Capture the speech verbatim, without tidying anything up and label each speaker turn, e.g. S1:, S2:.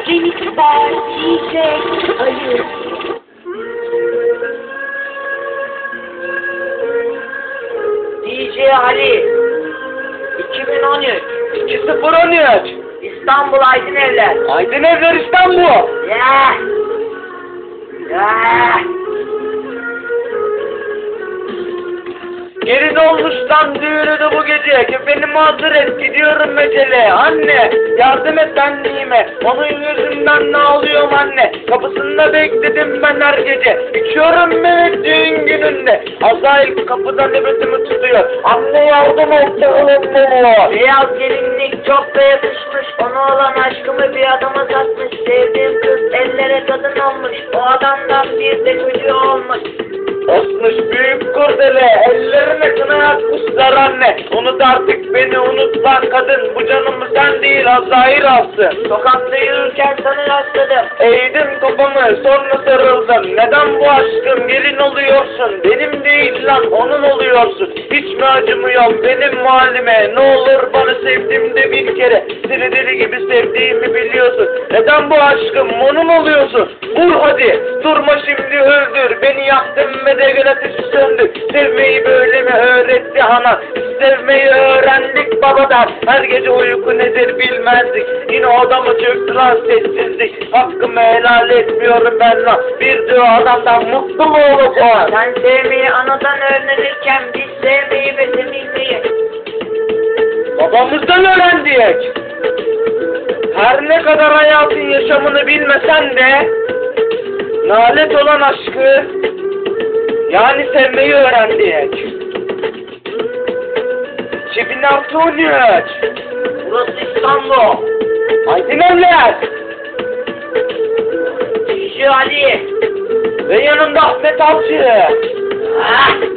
S1: Remix by D J Ali.
S2: D J Ali iki bin on üç
S3: iki sıfır on üç
S2: İstanbul Aydınevler.
S3: Aydınevler İstanbul.
S2: Ya. Ya.
S3: Gelin olmuş lan düğünü bu gece. Beni mazur et, gidiyorum mecele. Anne yardım et benliğime. Onun yüzünden ne ağlıyorum anne. Kapısında bekledim ben her gece. İçiyorum Mehmet düğün gününde. Azrail kapıda nöbetimi tutuyor. Anne yardım et oğlum beni.
S2: Beyaz gelinlik çok da yakışmış. Ona olan aşkımı bir adama satmış. Sevdiğim kız ellere kadın olmuş. O adamdan bir de çocuğu olmuş.
S3: Osmuş büyük kurdele, ellerine kına yakmışlar anne. Unut artık beni, unut lan kadın. Bu canımı sen değil Azrail alsın.
S2: Sokakta yürürken sana rastladım.
S3: Eğdim kafamı, sonra sarıldım. Neden bu aşkım, gelin oluyorsun? Benim değil lan, onun oluyorsun. Hiç mi acımıyorum benim halime? Ne olur bana sevdiğimde bir kere. Seni deli gibi sevdiğimi biliyorsun. Neden bu aşkım, onun oluyorsun? Vur hadi, durma şimdi öldür. Beni yaktın ve de gül ateşi söndü. Sevmeyi böyle mi öğretti ana? Sevmeyi öğrendik babadan. Her gece uyku nedir bilmezdik. Yine odamı çöktü lan sessizlik. Hakkımı helal etmiyorum ben lan. Bir diyor adamdan mutlu mu olacağım?
S2: Sen sevmeyi anadan öğrenirken biz sevmeyi ve sevilmeyi
S3: Babamızdan öğrendik. Her ne kadar hayatın yaşamını bilmesen de nalet olan aşkı, yani sevmeyi öğrendik. iki bin on üç
S2: Burası İstanbul.
S3: Aydınevler
S2: D J Ali.
S3: ve yanında Ahmet Avcı.
S2: Ah.